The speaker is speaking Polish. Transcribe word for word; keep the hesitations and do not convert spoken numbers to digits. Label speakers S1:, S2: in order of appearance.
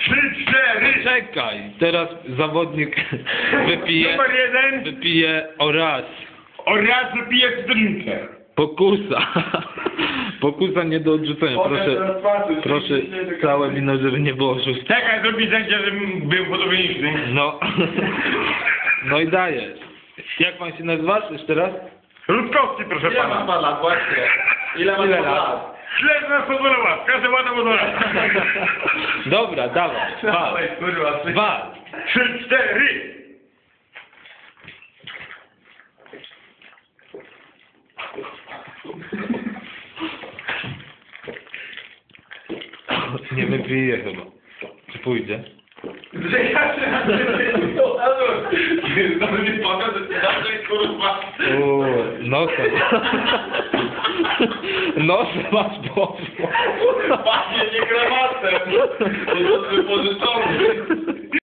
S1: Trzy, cztery.
S2: Czekaj, teraz zawodnik wypije,
S1: Numer jeden.
S2: wypije oraz
S1: Oraz wypije cytrynkę.
S2: pokusa. Pokusa nie do odrzucenia. Proszę, proszę całe wino, żeby nie było szóste.
S1: Czekaj, zrobi zdjęcie, żebym był podobniejszy.
S2: No. No i dajesz. Jak pan się nazywasz jeszcze raz?
S1: Rutkowski, proszę
S3: Ile ma
S1: pana.
S3: pan lat, właśnie? Ile ma
S2: Ile
S3: pan
S2: lat?
S3: lat?
S1: Śledź nas pozwolona, każdy ładna pozwolona.
S2: Dobra, dawaj. Dwa.
S3: Dawaj, kurwa, ty.
S2: Dwa.
S1: Trzy, cztery.
S2: Nie wypije chyba. Czy pójdzie?
S3: Że ja się na tym znowu nie pokażę, że cię dalej, kurwa.
S2: Uuu, nosem. Nosem masz poszło.
S3: Pachnie nie krematem. To jest wypożyczony.